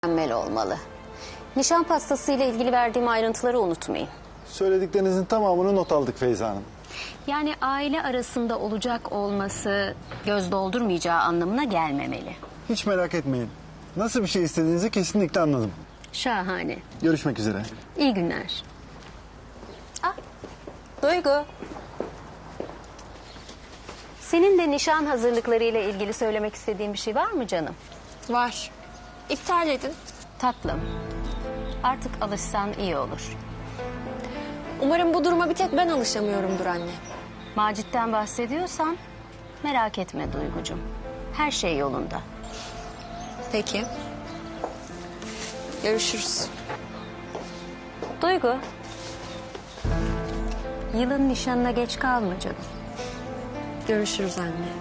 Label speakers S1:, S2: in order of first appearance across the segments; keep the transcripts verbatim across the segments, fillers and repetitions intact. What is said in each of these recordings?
S1: mükemmel olmalı. Nişan pastası ile ilgili verdiğim ayrıntıları unutmayın.
S2: Söylediklerinizin tamamını not aldık Feyza Hanım.
S1: Yani aile arasında olacak olması göz doldurmayacağı anlamına gelmemeli.
S2: Hiç merak etmeyin. Nasıl bir şey istediğinizi kesinlikle anladım.
S1: Şahane.
S2: Görüşmek üzere.
S1: İyi günler. Ah, Duygu. Senin de nişan hazırlıklarıyla ilgili söylemek istediğin bir şey var mı canım?
S3: Var. İptal edin.
S1: Tatlım, artık alışsan iyi olur.
S3: Umarım bu duruma bir tek ben alışamıyorumdur anne.
S1: Macit'ten bahsediyorsan merak etme Duygucuğum. Her şey yolunda.
S3: Peki. Görüşürüz.
S1: Duygu, yılın nişanına geç kalma canım.
S3: Görüşürüz anne.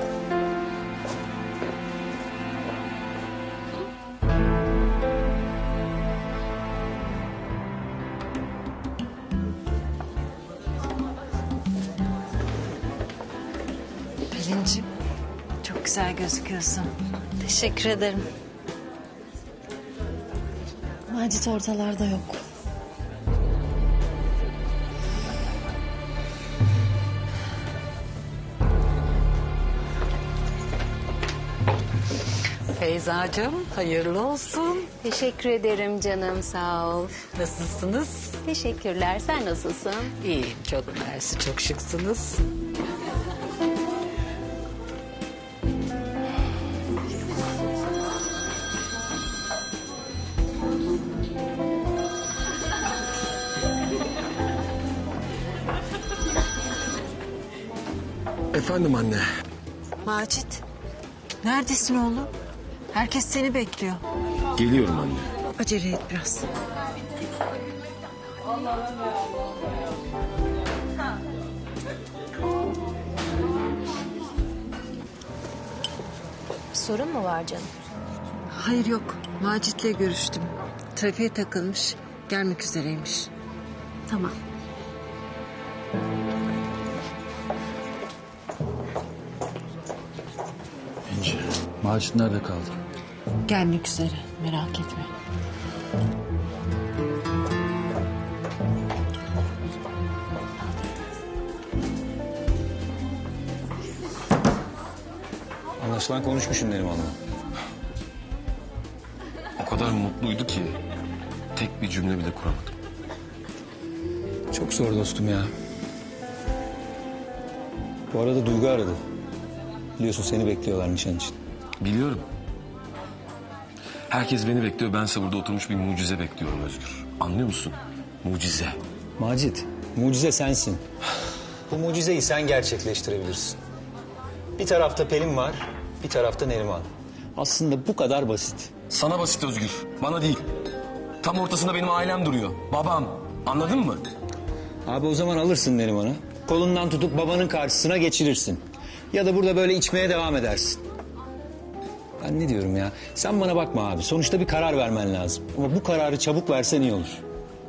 S4: Pelin'cim, çok güzel gözüküyorsun.
S3: Teşekkür ederim.
S4: Macit ortalarda yok.
S5: Feyzacığım, hayırlı olsun.
S1: Teşekkür ederim canım, sağ ol.
S5: Nasılsınız?
S1: Teşekkürler, sen nasılsın?
S5: İyiyim, çok mersi, çok şıksınız.
S6: Efendim anne.
S4: Macit, neredesin oğlum? Herkes seni bekliyor.
S6: Geliyorum anne.
S4: Acele et biraz.
S1: Sorun mu var canım?
S4: Hayır yok. Macit'le görüştüm. Trafiğe takılmış. Gelmek üzereymiş.
S1: Tamam.
S7: İnci, Macit nerede kaldı?
S4: Gelmek üzere. Merak etme.
S7: Anlaşılan konuşmuşsun Neriman'la.
S6: O kadar mutluydu ki tek bir cümle bile kuramadım.
S7: Çok zor dostum ya. Bu arada Duygu aradı. Biliyorsun seni bekliyorlar nişan için.
S6: Biliyorum. Herkes beni bekliyor. Bense burada oturmuş bir mucize bekliyorum Özgür. Anlıyor musun? Mucize.
S7: Macit, mucize sensin. Bu mucizeyi sen gerçekleştirebilirsin. Bir tarafta Pelin var, bir tarafta Neriman. Aslında bu kadar basit.
S6: Sana basit Özgür. Bana değil. Tam ortasında benim ailem duruyor. Babam. Anladın mı?
S7: Abi o zaman alırsın Neriman'ı. Kolundan tutup babanın karşısına geçirirsin. Ya da burada böyle içmeye devam edersin. Ben ne diyorum ya? Sen bana bakma abi. Sonuçta bir karar vermen lazım. Ama bu kararı çabuk versen iyi olur.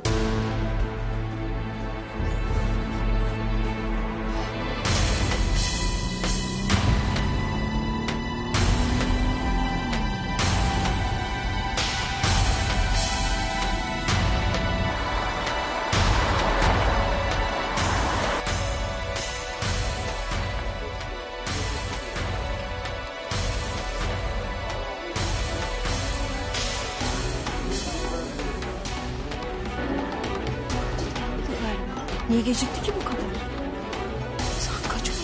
S4: Niye gecikti ki bu kadar? Saat kaç oldu?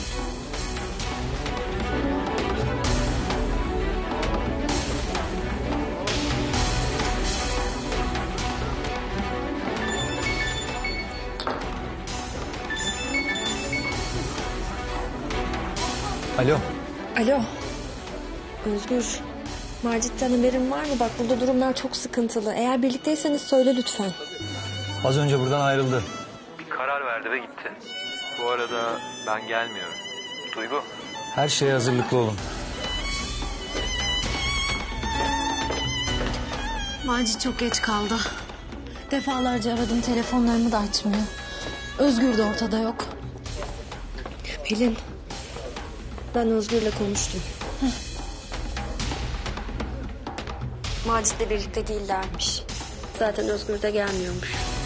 S7: Alo.
S3: Alo. Özgür. Macit'ten haberin var mı? Bak burada durumlar çok sıkıntılı. Eğer birlikteyseniz söyle lütfen.
S7: Az önce buradan ayrıldı.
S8: Karar verdi ve gitti. Bu arada ben gelmiyorum. Duygu.
S7: Her şeye hazırlıklı olun.
S4: Macit çok geç kaldı. Defalarca aradım, telefonlarımı da açmıyor. Özgür de ortada yok.
S3: Pelin. Ben Özgür'le konuştum. Macit'le birlikte değillermiş. Zaten Özgür de gelmiyormuş.